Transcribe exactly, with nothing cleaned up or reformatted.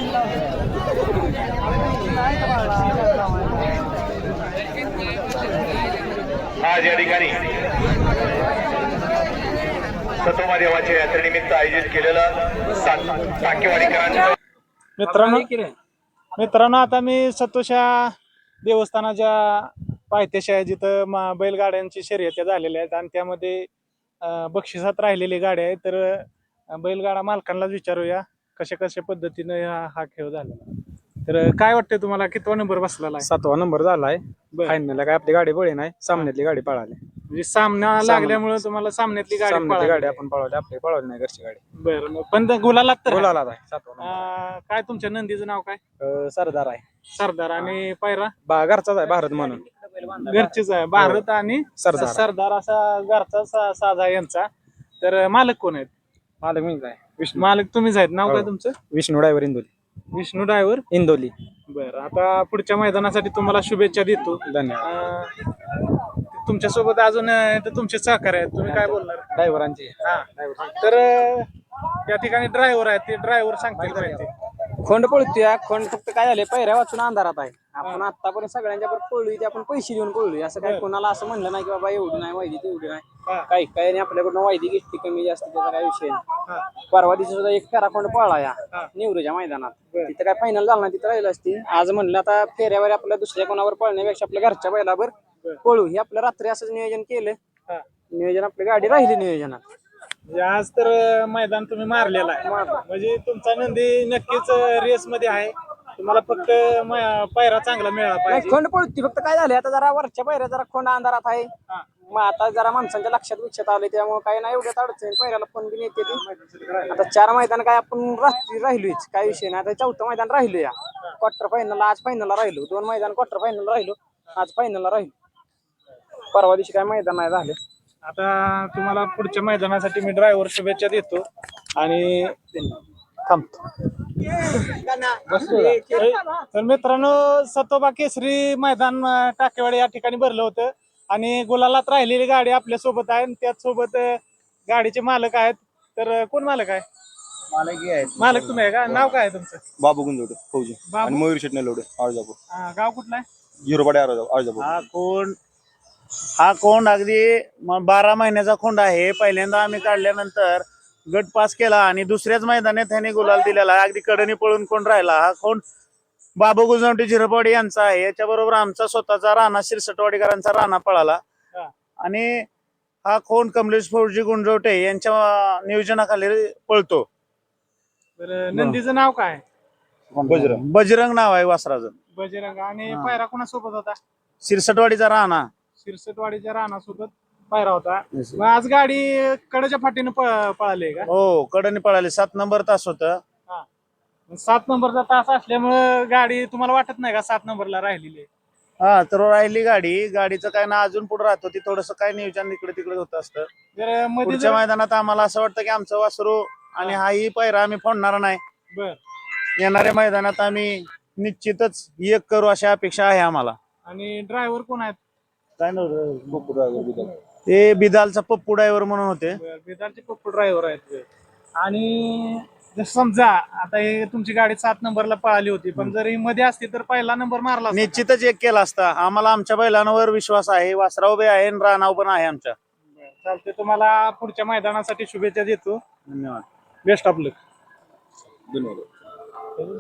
आज या ठिकाणी सतोमा देवाच्या यात्रेनिमित्त आयोजित केलेलं टाकेवाडीकरांचं मित्रांनो मित्रांनो आता मी सतोषा देवस्थानाच्या पायथ्याशी आहे, जिथं मा बैलगाड्यांची शर्यती झालेल्या आहेत आणि त्यामध्ये बक्षिसात राहिलेली गाडी आहे. तर बैलगाडा मालकांनाच विचारूया कशा कशा पद्धतीने हा हा खेळ झालेला. तर काय वाटतंय तुम्हाला, कितवा नंबर बसलेला आहे? सातवा नंबर झालाय. फायनल काय आपली गाडी पळी नाही, सामन्यातली गाडी पळाली. म्हणजे सामना लागल्यामुळे तुम्हाला सामन्यातली गाडी पळाली. गाडी आपण पळवली, आपली पळवली नाही घरची गाडी. बरं मग पण गुलाला तर गुलाला आहे सातवा नंबर. काय तुमच्या नंदीचं नाव काय? अं, सरदार आहे. सरदार. आणि पायरा बा घरचाच आहे, भारत म्हणून घरचीच आहे, भारत आणि सरदार. सरदार असा घरचा सा- साजा यांचा. तर मालक कोण आहेत? मालक मीच आहे, विष्णू मालक तुम्हीच आहेत. नाव काय हो. तुमचं? विष्णू ड्रायव्हर इंदोली. विष्णू ड्रायव्हर इंदोली. बरं, आता पुढच्या मैदानासाठी तुम्हाला शुभेच्छा देतो. धन्यवाद. अं, तुमच्या सोबत अजून अं, इथं तुमचे सहकारी आहेत, तुम्ही काय बोलणार? ड्रायव्हरांची हा तर अं, या ठिकाणी ड्रायव्हर आहेत, ते ड्रायव्हर सांगतील माहिती. खोंड पळतोय. खोंड फक्त काय झाले, पहिऱ्या वाचून अंधारात आहे. आपण आतापर्यंत सगळ्यांच्या बरोबर पळलोय, ते आपण पैसे देऊन पळलोय. असं काय कोणाला असं म्हणलं नाही की बाबा एवढी नाही वायदी तेवढी नाही. काही काही आपल्याकडून वायदी घेतली कमी जास्त, त्याचा काय विषय नाही. परवा दिवशी सुद्धा एक फेरा खोंड पळला या निवृच्या मैदानात. तिथं काय फायनल झाला नाही, तिथं राहिलं असती. आज म्हणलं आता फेऱ्यावर आपल्या दुसऱ्या कोणावर पळण्यापेक्षा आपल्या घरच्या बैलावर पळू, हे आपलं रात्री असंच नियोजन केलं. नियोजन आपली गाडी राहिली नियोजनात. म्हणजे आज तर अं, मैदान तुम्ही मारलेलं आहे, म्हणजे तुमचा नंदी नक्कीच रेस मध्ये आहे. तुम्हाला फक्त म- पायरा चांगला मिळाला नाही, पाहिजे. खोंड पळती फक्त काय झालं, आता जरा वरच्या पायऱ्या जरा खोंड अंधारात आहे. मग आता जरा माणसांच्या लक्षात विक्षात आले, त्यामुळे काय नाही एवढ्यात अडचण. पायऱ्याला फोन बी येते ती. आता चार मैदान काय आपण रात्री राहिलोच, काय विषय नाही. आता चौथं मैदान राहिलो या क्वार्टर फायनल. आज फायनलला राहिलो, दोन मैदान क्वार्टर फायनल राहिलो, आज फायनलला राहिलो. परवा दिवशी काय मैदान नाही झालं. आता तुम्हाला पुढच्या मैदानासाठी मी ड्रायव्हर शुभेच्छा देतो आणि थांबतो. तर मित्रांनो, सतोबा केसरी मैदान अं, टाकेवाडी या ठिकाणी भरलं होतं आणि गुलालात राहिलेली गाडी आपल्या सोबत आहे. त्याच सोबत अं, गाडीचे मालक आहेत. तर अं, कोण मालक आहे? मालक तुम्ही आहे का? नाव काय आहे तुमचं? बाबू गुंजवडे फौजी बाबू? आणि मयूर शेटणे लोडे आळजापूर. हा, गाव कुठलं आहे? झिरोपाडे आळजापूर. हा कोंड हा कोंड अगदी म- बारा महिन्याचा कोंड आहे. पहिल्यांदा आम्ही काढल्यानंतर गट पास केला आणि दुसऱ्याच मैदानात त्याने गुलाल दिलेला आहे. अगदी कडनी पळून कोंड राहिला. हा कोंड बाबू गुजवटे झिरपवाडी यांचा आहे. याच्याबरोबर आमचा स्वतःचा राणा शिरसटवाडीकरांचा राणा पळाला. आणि हा कोंड कमलेश फौजी गुंजवटे यांच्या नियोजनाखाली पळतो. तर नंदीचं नाव काय? बजरंग. बजरंग नाव आहे वासराचं. बजरंग. आणि पायरा कोणासोबत होता? शिरसटवाडीचा राणा. शिरसटवाडीच्या राणासोबत पायरा होता. मग आज गाडी कडेच्या फाटीनं प- पळाली का? हो, कडनी पळाली. सात नंबर तास होत. सात नंबरचा तास असल्यामुळे गाडी तुम्हाला वाटत नाही का सात नंबरला राहिलेली आहे? हा, तर राहिली गाडी. गाडीचं काय ना अजून पुढे राहतो ती, थोडस काय नियोजन इकडे तिकडे होत असतं. जर मध्ये पुढच्या जर- मैदानात आम्हाला असं वाटतं की आमचं वासरू आणि हाही पैरा आम्ही फोडणार नाही. बर. येणाऱ्या मैदानात आम्ही निश्चितच एक करू अशी अपेक्षा आहे आम्हाला. आणि ड्रायव्हर कोण आहेत? काय नव्हतं ते बिदालचा पप्पू ड्रायव्हर म्हणून होते. बर, बेदारचे पप्पू ड्रायव्हर आहेत. आणि जर समजा आता हे तुमची गाडी सात नंबरला पळाली होती, पण जर ही मध्ये असती तर पहिला नंबर मारला असता. निश्चितच एक केला असता. आम्हाला आमच्या बैलांवर विश्वास आहे. वासराव बी आहे आणि राणाव पण आहे आमच्या. चालते. तुम्हाला पुढच्या मैदानासाठी शुभेच्छा देतो. धन्यवाद. Best of luck. धन्यवाद.